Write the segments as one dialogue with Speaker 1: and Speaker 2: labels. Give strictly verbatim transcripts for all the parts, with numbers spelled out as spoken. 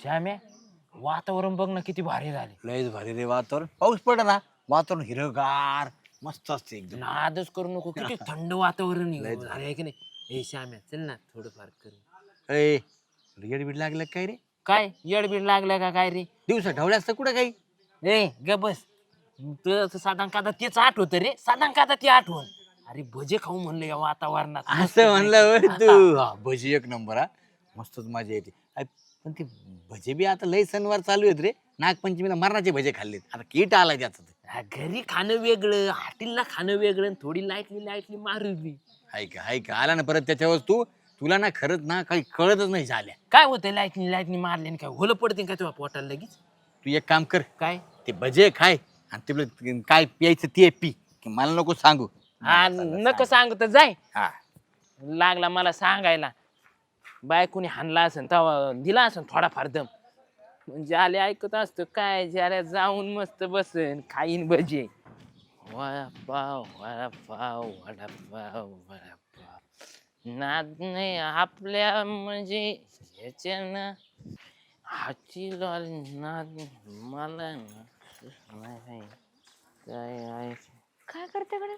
Speaker 1: श्याम्या वातावरण बघ ना किती भारी झाले.
Speaker 2: लयच भारी रे वातावरण. पाऊस पड ना वातावरण हिरगार मस्त असते एकदम.
Speaker 1: नादच करू नको किती थंड वातावरण आहे. झालं आहे की नाही. हे श्याम्या चल ना थोडंफार करू.
Speaker 2: ए येडबीड लागलं काय रे?
Speaker 1: काय येडबीड लागलं का काय रे?
Speaker 2: दिवसा ढवल्या असतं कुठं काही.
Speaker 1: ए ग बस तुझं साधारण कादा तेच आठवत रे. साधारण कादा ती आठवण. अरे भजे खाऊ म्हणलं या वातावरणात.
Speaker 2: असं म्हणलं होय तू. हा, भजी एक नंबर. हा मस्तच मजा येते. अय, पण ते भजे बी आता लय सणवार चालू आहेत रे. नागपंचमीला मरणाचे भजे खाल्लेत. आता कीट आलाय त्याचं.
Speaker 1: हा, घरी खाणं वेगळं हॉटेलला खाणं वेगळं आणि थोडी लाईटली लाईटली मारली.
Speaker 2: हाय का हाय का आला ना परत त्याच्यावर तू. तुला ना खरंच ना काही कळतच नाही झाल्या.
Speaker 1: काय होतंय लाईटनी लाईटनी मारल्याने काय होलं पडते काय तुझ्या पोटाला लगेच.
Speaker 2: तू एक काम कर.
Speaker 1: काय
Speaker 2: ते भजे खाय आणि ते काय प्यायचं ते पी. की मला नको सांगू.
Speaker 1: हा नको सांगू तर जाय.
Speaker 2: हा
Speaker 1: लागला मला सांगायला बायकोनी हाणला असेल तेव्हा दिला असेल थोडाफार दम. ज्याले ऐकत असतो काय ज्याला जाऊन मस्त बसन खाईन भजे. वडापाव वडापाव वडापाव वडापाव नाद नाही आपल्या म्हणजे ह्याच्यानं हाची लॉल नाद मला नाही काय आहे.
Speaker 3: काय करते कडे?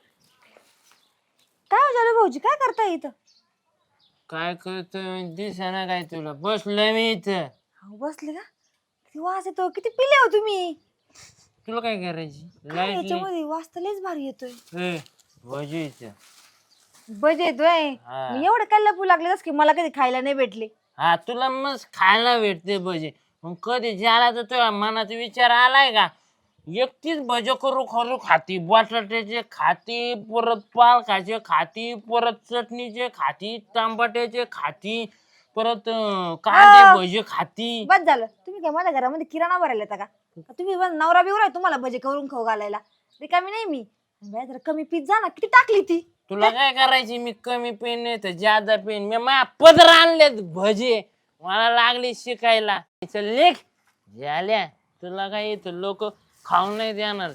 Speaker 3: काय हो झालं भाऊजी काय करताय इथं?
Speaker 1: काय करतोय दिसाना काय तुला बसलोय मी इथं.
Speaker 3: अहो, बसले का? किती वास येतो किती पिले हो तुम्ही?
Speaker 1: तुला काय करायची
Speaker 3: काय
Speaker 1: लाईट
Speaker 3: याच्यामध्ये वास तर लयच भारी येतोय.
Speaker 1: भजी इथं.
Speaker 3: बजे येतोय.
Speaker 1: हा.
Speaker 3: मी एवढं काय लपू लागले की मला कधी खायला नाही भेटले.
Speaker 1: हा तुला मस्त खायला भेटते भजे. मग कधी ज्याला तर तुझ्या मनात विचार आलाय का एकटीच भजे करू करू खाती बटाट्याचे खाती परत पालकाचे खाती परत चटणीचे खाती टमाट्याचे खाती परत अं, कांदे
Speaker 3: हा.
Speaker 1: भजे खाती.
Speaker 3: बस झालं तुम्ही काय माझ्या घरामध्ये किराणा भरायला येता का? का तुम्ही बस नवरा बिवरा आहे तुम्हाला भजे करून खाऊ घालायला? रिकामी नाही मी. बाई, जरा कमी पीत जा ना किती टाकली ती.
Speaker 1: तुला काय करायची मी कमी पेन नाही तर जादा पेन मी माझ्या पदर आणलेत भजे मला लागली शिकायला. चल लेख झाल्या तुला काय येतं लोक खाऊन नाही देणार.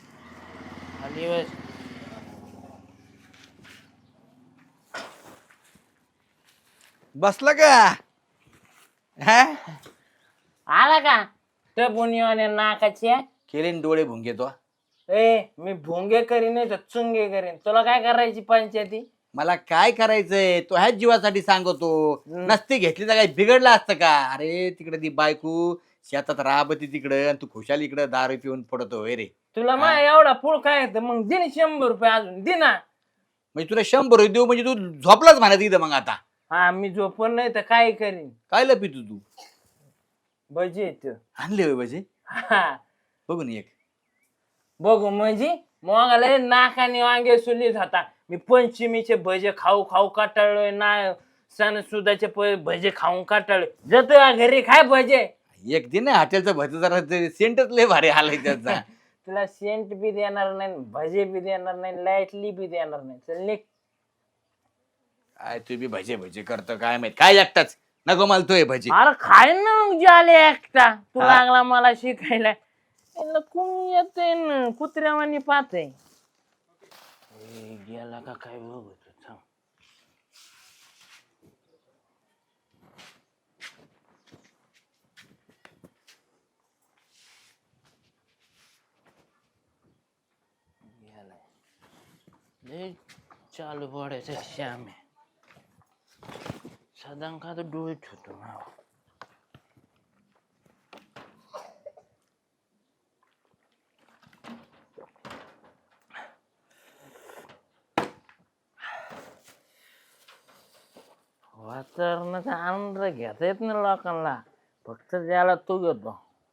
Speaker 1: खाली बस.
Speaker 2: बसला का? हा
Speaker 1: आला का टपुनीवाने नाकाचे.
Speaker 2: केले न डोळे भुंगे तो.
Speaker 1: ए मी भोंगे करीन नाही तर चुंगे करीन. तुला काय करायची पंचायती?
Speaker 2: मला काय करायचंय तो ह्याच जीवासाठी सांगतो. नसती घेतली तर काही बिघडलं असतं का? अरे तिकडे ती बायको शेतात राबती तिकडं आणि तू खुशाल इकडं दारू पिऊन पडतोय रे.
Speaker 1: तुला मा एवढा पुळ काय येतं मग दे ना शंभर रुपये अजून दे ना.
Speaker 2: म्हणजे तुला शंभर रुपये देऊ म्हणजे तू झोपलाच म्हणा तिथं मग आता.
Speaker 1: हा मी झोपून नाही तर काय करीन.
Speaker 2: काय लपितो तू?
Speaker 1: भजी येत.
Speaker 2: आणले होय म्हणजे
Speaker 1: हा
Speaker 2: बघून एक.
Speaker 1: बघू म्हणजे मग नाकाने वांगे सुलीत होता. मी पंचमीचे भजे खाऊ खाऊ काटाळलोय ना सणसुदाचे भजे खाऊन काटाळलोय. जातो घरी खाय भजे.
Speaker 2: एक दिन हॉटेलचं भजी जरा सेंटच लय भारी आलाय त्याचा.
Speaker 1: तुला सेंट बी देणार नाही भजे बी देणार नाही लाईटली बी देणार नाही. चल निघ.
Speaker 2: काय तू बी भजे भजे करतो काय माहित काय एकटाच नको मला तोय भजी.
Speaker 1: अरे खाय ना मग झाले एकटा. तू
Speaker 2: हा.
Speaker 1: लागला मला शिकायला. कोण येते ना कुत्र्यावानी पाहते. गेला का काय बघतो थांब. गेलाय चालू पडायचं श्याम आहे. साधारण का तर डोळे ठेवतो ना. वातावरणाचा आनंद घेता येत नाही लोकांना फक्त ज्याला तू घेतो.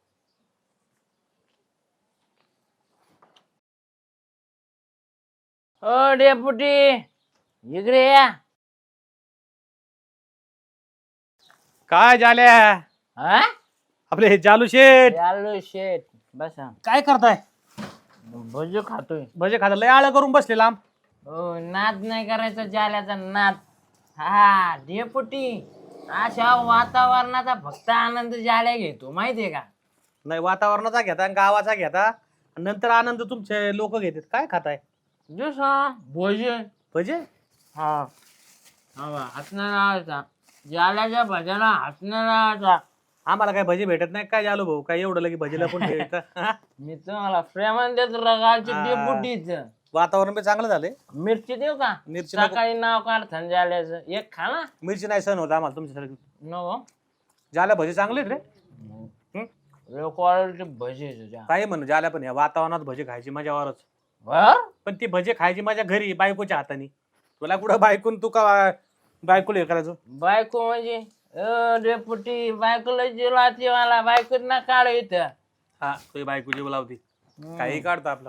Speaker 1: ओ डेपुटी इकडे या.
Speaker 4: काय झाल्या
Speaker 1: हा
Speaker 4: आपले हे जालू शेठ
Speaker 1: चालू शेट बसा.
Speaker 4: काय करताय?
Speaker 1: भजी खातोय.
Speaker 4: भजे खाता लय आळ करून बसले लांब.
Speaker 1: हो नाद नाही करायचा जाल्याचा नाद. हा डेपुटी अशा वातावरणाचा फक्त आनंद जाल्या घेतो माहितीये का?
Speaker 4: नाही वातावरणाचा घेता आणि गावाचा घेता आणि नंतर आनंद तुमचे लोक घेतात. काय खाताय?
Speaker 1: जसा भोजन.
Speaker 4: भजे
Speaker 1: हा हवा हसणारा जाल्याच्या भज्याला हसणारा
Speaker 4: आम्हाला काय भजी भेटत नाही काय झालो भाऊ काय एवढं लगे भजीला पण भेटतं? हा?
Speaker 1: मी तुम्हाला प्रेमान देतो रगाची
Speaker 4: हा.
Speaker 1: डेपुटीच
Speaker 4: वातावरण बी चांगलं झालंय.
Speaker 1: मिरची देऊ का
Speaker 4: मिरची नको.
Speaker 1: सकाळी नाव काढताना झाल्याचं एक खा ना
Speaker 4: मिरची नाही सहन होत आम्हाला तुमच्यासारखी.
Speaker 1: नको
Speaker 4: ज्याला भजी चांगले आहेत रे. हं?
Speaker 1: क्वालिटी भजी आहे तुझ्या
Speaker 4: काही म्हणू ज्याला पण या वातावरणात भजी खायची मजावरच.
Speaker 1: बर
Speaker 4: पण ती भजी खायची माझ्या घरी बायकोच्या हाताने. तुला कुठं बायकून तू का बायकोला हे करायचं.
Speaker 1: बायको म्हणजे अ डेपुटी बायकोला जिलाती मला बायको ना काढ इथं
Speaker 4: हा तुझी बायको जीव लावती काही काढतो आपलं.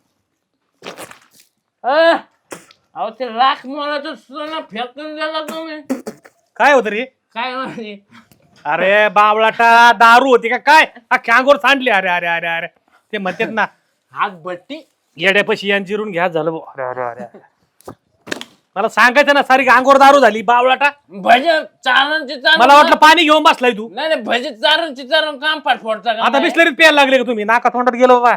Speaker 1: अ, अहो ते राख मला तर सोनं फेकून गेला तुम्ही
Speaker 4: काय होतं रे.
Speaker 1: काय म्हणजे
Speaker 4: अरे बावळाटा दारू होती का काय अख्ख्या अंगोर सांडली. अरे अरे अरे अरे ते म्हणतात ना
Speaker 1: हात बट्टी
Speaker 4: येड्यापाशी यांची जिरून घ्या झालं भाऊ. अरे अरे अरे मला सांगायचं ना सारी अंगोर दारू झाली बावळाटा.
Speaker 1: भजन चारण चिचारण
Speaker 4: मला वाटलं पाणी घेऊन बसलाय तू.
Speaker 1: नाही नाही भजी चारण चिचारण काम पाठ फोडता का
Speaker 4: आता
Speaker 1: नाही?
Speaker 4: बिस्लरीत प्यायला लागले का तुम्ही नाका तोंडात गेलो बाबा.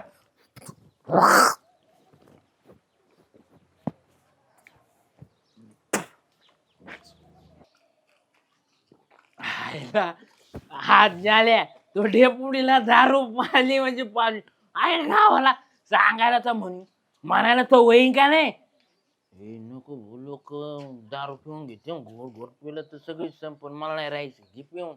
Speaker 1: आयला, हात झाल्या तो डेपुडीला दारू पाली म्हणजे पाली आहे गावाला सांगायला तर म्हणून म्हणायला तो वहीन का नाही हे नको लोक दारू पिऊन घेते घोर घोर पिलं तर सगळी संपून मला नाही राहायचं घे पिऊन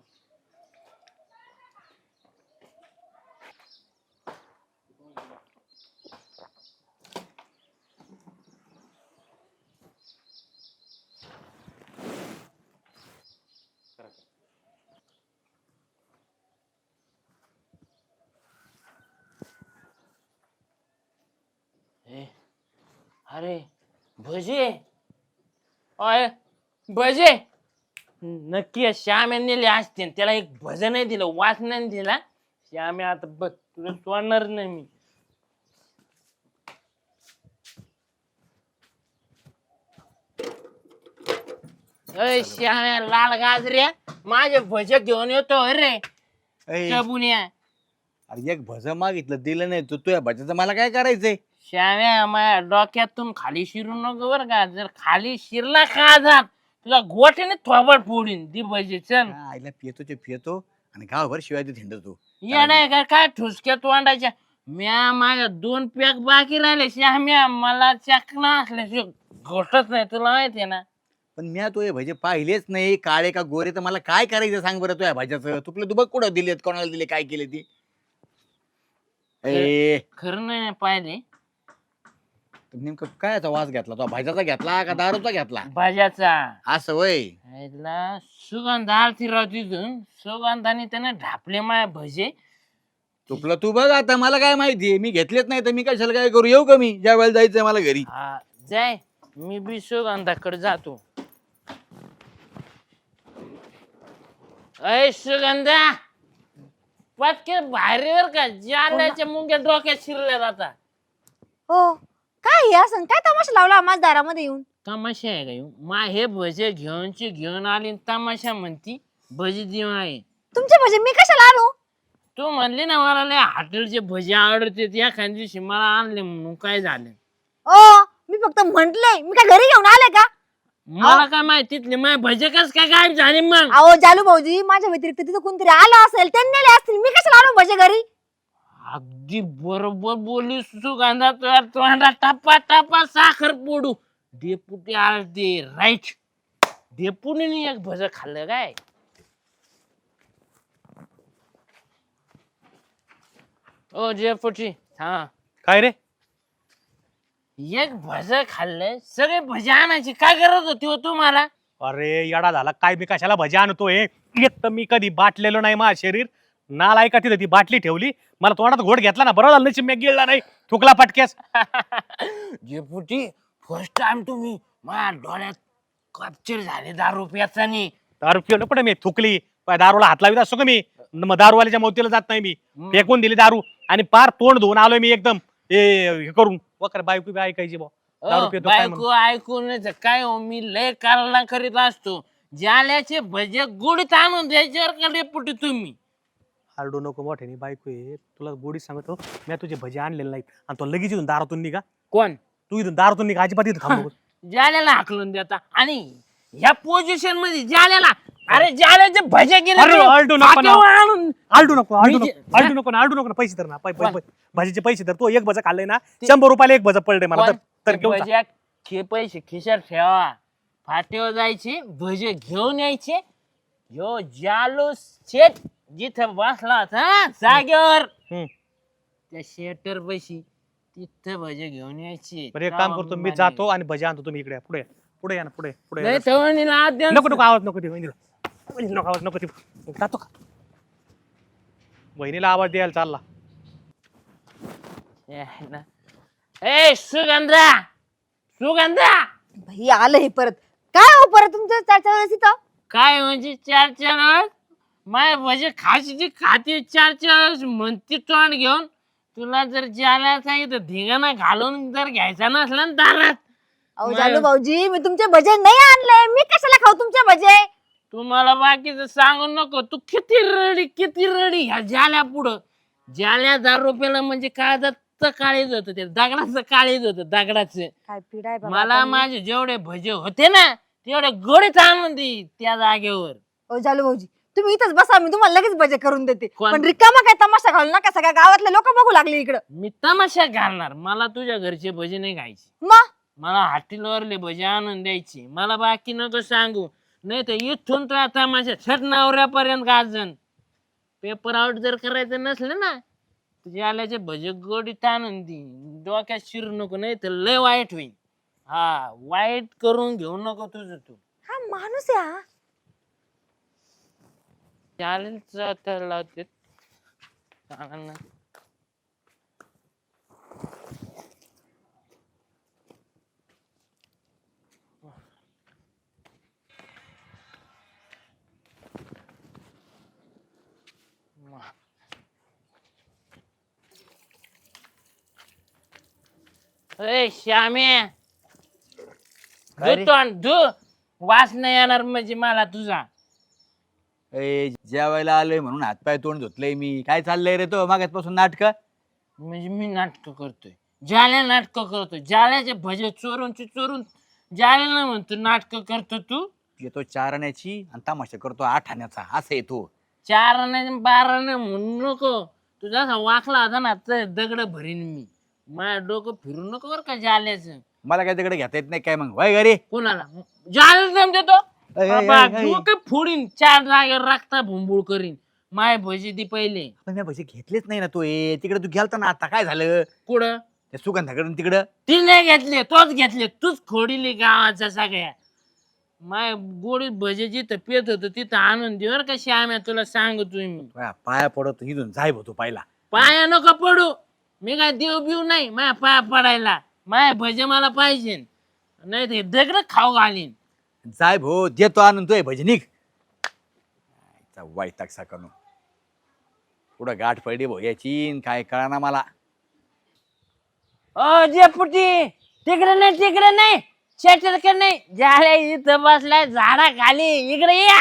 Speaker 1: ए, अरे भजे अय भजे नक्की श्याम नेले असते त्याला एक भजन नाही दिलं वाच नाही दिला श्याम आता बघ तुला सोडणार नाही मी अय श्याम्या लाल गाजऱ्या माझे भजे घेऊन येतो अरे
Speaker 2: ऐ,
Speaker 1: चबुन्या
Speaker 2: अरे एक भज मागितलं दिलं नाही तू तुझ्या भजाचं मला काय करायचंय.
Speaker 1: श्याम्या माझ्या डोक्यातून खाली शिरू नको बर का जर खाली शिरला का जात तुला गोठ्याने थोबड फोडीन दी भजी चल
Speaker 2: हा, आईला पियतो ते पियतो आणि गावभर शिवाय ते हिंडतो.
Speaker 1: या नाही का काय ठुसक्यात वांडायच्या म्या माझ्या दोन पॅक बाकी राहिले श्याम्या मला चकना असल्याशिवाय घोटत नाही तुला माहितीये ना
Speaker 2: पण मी तो हे भजे पाहिलेच नाही काळे का गोरे तर मला काय करायचं सांग बरं तुझ्या भाज्याचं तुपले तू बघ कुठं दिलेत कोणाला दिले काय केले ती. ए
Speaker 1: खरं नाही पाहिले
Speaker 2: नेमकं काय याचा वास घेतला तो भाज्याचा घेतला का दारूचा घेतला
Speaker 1: भाज्याचा
Speaker 2: असं वय.
Speaker 1: ह्याला सुगंध आरती राव तिथून सुगंधाने त्याने ढापले माय भजे
Speaker 2: तुपलं तू बघ आता मला काय माहितीये मी घेतलेच नाही तर मी कशाला काय करू येऊ का मी ज्या वेळेला जायचंय मला घरी.
Speaker 1: हा जाय मी बी सुगंधाकडे जातो अय सुगंधा पटके बाहेर का जाल्याच्या मुंग्या डोक्यात शिरल्या जाता
Speaker 3: हो काय हे असं काय तमाशा लावला माझ्या दारामध्ये येऊन.
Speaker 1: तमाशा आहे का ह्यो? मा हे भजे घेऊनची घेऊन आली आणि तमाशा म्हणती भजी देऊ आहे
Speaker 3: तुमचे भजे मी कशाला आणू.
Speaker 1: तू म्हणली ना मला लय हॉटेलचे भजी आवडते एखाद्या दिवशी मला आणले म्हणून काय झालं
Speaker 3: ओ मी फक्त म्हंटले मी काय घरी घेऊन आले का.
Speaker 1: मला काय माहिती तिथले माझे भजे कस काय गायब झाले मग
Speaker 3: अहो जालू भाऊजी माझ्या व्यतिरिक्त तिथं कोणतरी आलं असेल त्यांनी नेले असतील मी कशाला आणू भजे घरी.
Speaker 1: अगदी बरोबर बोलली सुगंधा तुझ्या तोंडा टप्पा टप्पा साखर पोडू डेपुटी आलते राईट डेपुटीने एक भज खाल्लं काय ओ डेपुटी हा
Speaker 4: काय रे
Speaker 1: एक भज खाल्लं सगळे भजे आणायची काय गरज होती हो तुम्हाला
Speaker 4: अरे येडा झाला काय मी कशाला भजी आणतोय. एक तर मी कधी बाटलेलो नाही माझं शरीर नाल ऐका तिथे ती बाटली ठेवली मला तोंडात घोट घेतला ना बरं झालं मी गिळला नाही थुकला पटक्यास.
Speaker 1: डेपुटी फर्स्ट टाइम तुम्ही माझ्या डोळ्यात कॅप्चर झाले दारू प्याचानी
Speaker 4: दारू पिवलं पण मी थुकली पाय दारूला हात लावित असतो का मी मग दारूवाल्याच्या मौतीला जात नाही मी फेकून दिली दारू आणि पार तोंड धुवून आलोय मी एकदम हे करून वकर बायको बी ऐकायची बा दारू पितो काय म्हणून.
Speaker 1: बायको ऐकून काय हो मी लय कारला करीत असतो जाल्याचे भजे गुडीत आणून द्यायच्यावर का डेपुटी तुम्ही
Speaker 4: आरडू नको मोठ्याने बायको आहे तुला गोडी सांगतो मी तुझे भजे आणलेले नाहीत आणि तो लगेच इथून दारातून निघा
Speaker 1: कोण
Speaker 4: तू इथून दारातून निघा अजिबात इथं थांबू नको.
Speaker 1: जाल्याला हाकलून देता आणि ह्या पोझिशन मध्ये जाल्याला अरे जाल्याचे भजे गेले
Speaker 4: अरे,
Speaker 1: ते
Speaker 4: आलटू नको ना.
Speaker 1: फाट्यावर आणून
Speaker 4: आलटू नको आलटू
Speaker 1: मी जे-
Speaker 4: नको आलटू नको ना आलटू नको ना पैसे तर ना पै- पै-
Speaker 1: कोण?
Speaker 4: भाजीचे पैसे तर तू एक भजा खाल्लंय ना शंभर रुपयाला एक भजा पडले मला
Speaker 1: कोण?
Speaker 4: तर- तर
Speaker 1: ते
Speaker 4: घेऊन जा.
Speaker 1: भज्या खे पैसे खिशात ठेवा फाट्यावर जायचे भजे घेऊन यायचे यो जालू शेट जिथं बसला होता ना जागेवर
Speaker 4: हम्म.
Speaker 1: त्या शेटर पैशी तिथं भजे घेऊन यायचे
Speaker 4: बरं एक काम करतो मी जातो आणि भजी आणतो तुम्ही इकडे या. पुढे या. पुढे या ना पुढे पुढे या.
Speaker 1: नाही तवणीला हात द्या ना.
Speaker 4: नको नको आवाज नको दे वहिनीला वहिनीला नको आवाज नको दे जातो का वहिनीला आवाज द्यायला चालला
Speaker 1: ए ना. ए सुगंधा सुगंधा
Speaker 3: भाई आलं हे परत काय हो परत तुमच्या चारच्या वेळेस इथं
Speaker 1: काय म्हणजे चार चार वेळेस माय भजे खायची खाती चार चार वेळेस म्हणती तोंड घेऊन तुला जर ज्याला सांगितलं धिंगाणा घालून जर घ्यायचा नसला ना दारात
Speaker 3: अहो
Speaker 1: नाही.
Speaker 3: जालू भाऊजी मी तुमचे भजे नाही आणले मी कशाला खाऊ तुमचे भजे
Speaker 1: तुम्हाला बाकीचं सांगू नको तू किती रडी किती रडी ह्या जाल्या पुढं जाल्या हजार रुपयाला म्हणजे काळजाचं काळीज होतं ते दगडाचं काळीज होतं दगडाचं
Speaker 3: काय पिढाय बाबा
Speaker 1: मला
Speaker 3: आता.
Speaker 1: माझे जेवढे भजे होते ना तेवढे गोडीत आणून दे त्या जागेवर
Speaker 3: अहो जालू भाऊजी तुम्ही इथंच बसा मी तुम्हाला लगेच भजे करून देते
Speaker 1: कोण?
Speaker 3: पण रिकामा काय तमाशा घालू नका सगळ्या गावातले लोक बघू लागले इकडं
Speaker 1: मी तमाशा घालणार मला तुझ्या घरचे भजे नाही खायचे
Speaker 3: मग
Speaker 1: मला हॉटेलवरले भजे आणून द्यायचे मला बाकी नको सांगू नाही तर इथून तर आता माझ्या छट नवऱ्यापर्यंत गाजन पेपर आउट जर करायचं नसलं ना तुझ्या आल्याचे भजे गोडीत आणून दे डोक्यात शिरू नको नाही तर लय वाईट होईल हा वाईट करून घेऊ नको तुझं तू
Speaker 3: हा माणूस आहे हा
Speaker 1: चालेल चालेल लावते चालेल ना ए श्यामे
Speaker 2: काय रे?
Speaker 1: धु तोंड धु वास नाही येणार म्हणजे मला तुझा
Speaker 2: ए जेवायला आलोय म्हणून हातपाय तोंड धुतलंय मी काय चाललंय रे तो मागासपासून नाटक
Speaker 1: म्हणजे मी नाटक करतोय जाल्या नाटक करतोय जाल्याचे भजे चोरून चोरून जाल्याला म्हणतो नाटक करतो तू
Speaker 2: येतो चारण्याची आणि तमाशा करतो आठाण्याचा असं येतो
Speaker 1: चार आणे बारा आणे म्हणू नको तू जसा वाकला होता ना तर दगड भरीन मी माझ्या डोकं फिरू नको बरं का जाल्याचं
Speaker 2: मला काय तिकडे घेता येत नाही काय मग वय घरी
Speaker 1: कोणाला जायला जम देतो
Speaker 2: ऐ, ऐ,
Speaker 1: बाबा,
Speaker 2: ऐ, ऐ.
Speaker 1: डोकं फोडीन चार जागेवर राखता भुंबुळ करीन माय भजी ती पहिले
Speaker 2: पण मी पैसे घेतलेच नाही ना तो ए तिकडे तू गेलता ना आता काय झालं
Speaker 1: कुठं
Speaker 2: त्या सुगंधाकडून तिकडं
Speaker 1: ती नाही घेतले तोच घेतले तूच खोडीली गावाच्या सगळ्या माय गोडी भजे जिथं पेत होतं तिथं आणून दे बरं का श्याम्या तुला सांगतोय मी
Speaker 2: तुझ्या पाया पडत इथून जाय होतो पाहिला
Speaker 1: पाया नको पडू मी काय देव बिव नाही माझ्या पाया पडायला माय भजे मला पाहिजे नाही ते दगड खाऊ घालीन
Speaker 2: जाय भो देतो आणून तो भजनिक वाईट टाकसा करू पुढं गाठ पडली भो याची न काय कळना मला
Speaker 1: ओ जेपुटी तिकडे नाही तिकडे नाही शेटरकडे नाही झाल्या इथं बसलाय झाडा खाली इकडे या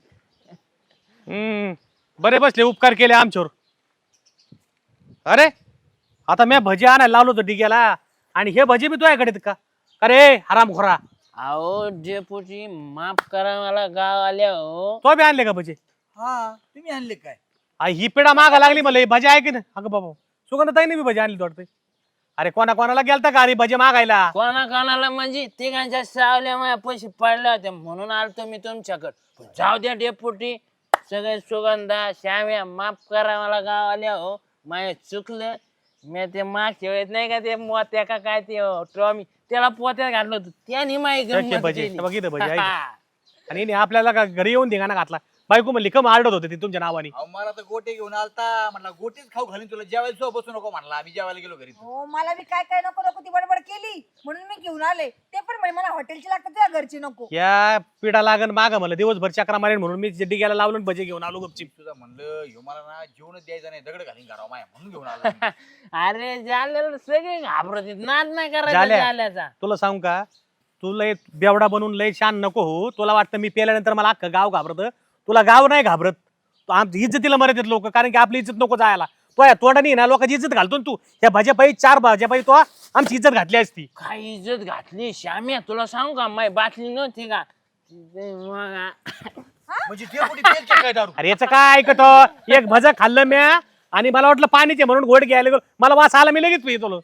Speaker 4: हम्म बरे बसले उपकार केले आमच्यावर अरे आता मी भजी आणायला लावलो होतो डिग्याला आणि हे भजी मी तुझ्याकडे आहेत का अरे हराम खोरा
Speaker 1: अहो जेपुटी माफ करा मला गाव आल्या हो
Speaker 4: तो बी आणले का भजी
Speaker 2: हा तुम्ही आणले काय
Speaker 4: आ, ही पिढा मागा लागली मला ही भजी आहे की नाही अगं बाबा सुगंधताईने मी भजी आणली वाटते अरे कोणा कोणाला गेलता का अरे भजी मागायला
Speaker 1: कोणा कोणाला म्हणजे तिघांच्या सावल्या माझ्या पैसे पडले होते म्हणून आलतो मी तुमच्याकडे पण जाऊ द्या डेपुटी सगळे सुगंधा श्याम्या माफ करा मला गाव आल्या हो माझे चुकलं मी ते मागच्या वेळेस नाही का ते मोत्या का काय ते ट्रॉमी त्याला पोत्यात घातलं होतं त्याने माझी
Speaker 4: त्याचे
Speaker 1: गंमत
Speaker 4: भजे,
Speaker 1: केली.
Speaker 4: बघितलं भजे, ऐक.
Speaker 1: हा.
Speaker 4: आणि हिने आपल्याला का घरी येऊन धिंगाणा घातला बायको म्हणली कम आरडत होते ती तुमच्या नावाने
Speaker 2: अहो, मला तर गोटे घेऊन आलता म्हणला गोटेच खाऊ घालून तुला जेवायला सो बसू नको म्हणला आम्ही जेवायला गेलो घरी
Speaker 3: हो मला बी काय काय नको नको ती बडबड केली म्हणून मी घेऊन आले ते पण म्हणे मला हॉटेलची लागतात तुझ्या घरची नको
Speaker 4: या पिढा लागन माग मला दिवसभर चक्रा मारेन म्हणून मी डिग्याला लावलो आणि भजी घेऊन आलो गपचिप
Speaker 2: तुझा म्हणलं ह्यो मला ना जेवणच द्यायचं नाही दगड घालीन घराव माया म्हणून घेऊन आलो
Speaker 1: अरे झालेलं सगळे घाबरत नाद नाही करायचा
Speaker 4: झाल्या.
Speaker 1: झाल्याचा
Speaker 4: तुला सांगू का तू लय बेवडा बनून लय छान नको हो तुला वाटतं मी पेल्यानंतर मला अख्खं गाव घाबरत तुला गाव नाही घाबरत तू आमची इज्जतीला मरत येत लोक कारण की आपली इज्जत नको जायला तो या तोंडाने ना लोकांची इज्जत घालतो ना तू या भाज्यापायी चार भाज्यापायी तो आमची इज्जत घातली असती
Speaker 1: काय इज्जत घातली श्याम्या तुला सांगू का माय बाटली नव्हती का ते मग
Speaker 2: म्हणजे डेपुटी पेलते काय दारू?
Speaker 4: अरे याचं काय ऐकतो एक भज खाल्लं म्या आणि मला वाटलं पाणीचे म्हणून गोड घ्यायला गेलो. मला वास आला मी लगेच पितो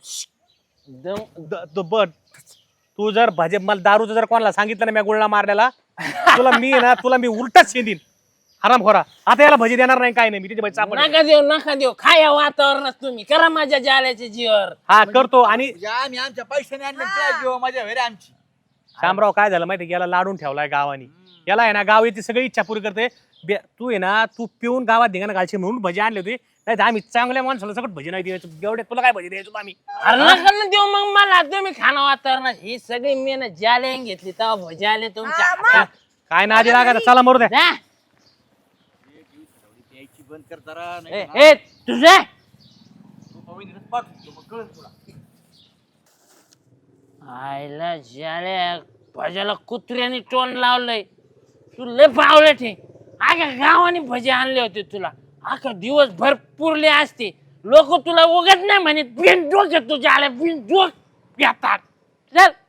Speaker 1: दम
Speaker 4: तू जर भजे मला दारूचं जर कोणाला सांगितलं ना मी गुळणा मारल्याला तुला मी ना तुला मी उलटच शेंदीन हराम खोरा. आता याला भजी देणार नाही काय नाही मी तिथे भजी सापडले.
Speaker 1: नका देऊ नका देऊ खाया वातावरणात तुम्ही करा माझ्या जाल्याच्या जीवर.
Speaker 4: हा करतो. आणि
Speaker 2: म्हणजे आम्ही आमच्या पैशाने आणलं त्या जीवा माझ्या घरी आमची.
Speaker 4: शामराव काय झालं माहिती याला लाडून ठेवलाय गावानी. याला आहे ना गाव येते सगळी इच्छा पुरी करते. बे- तू आहे ना तू पिऊन गावात धिंगाणा घालशी म्हणून भजी आणली होती. नाही आम्ही चांगल्या माणसाला सगळं भजी नाही द्यायचो. एवढे तुला काय भजी द्यायचो आम्ही.
Speaker 1: अरे नका ना देऊ मग मला तुम्ही खाणं वातावरणात ही सगळी मेहनत जाले घेतली तेव्हा भजी आले तुमच्या
Speaker 3: हा, मग.
Speaker 1: हातात.
Speaker 4: काय नादी लागायचं चला मरू द्या.
Speaker 1: जा.
Speaker 2: प्यायची बंद कर जरा
Speaker 1: ए
Speaker 2: नाही
Speaker 1: ए, तुझे
Speaker 2: तू पवनीतच पाठवतो, मग कळेल तुला.
Speaker 1: आईला जाल्या भज्याला कुत्र्याने तोंड लावलंय. तू लय पावलं ठे आख्या गावाने भजे आणले होते तुला. आखा दिवस भर पुरले असते लोक तुला उगत नाही म्हणे बिन डोक्यात तुझ्या आल्या बिन डोक येतात. चल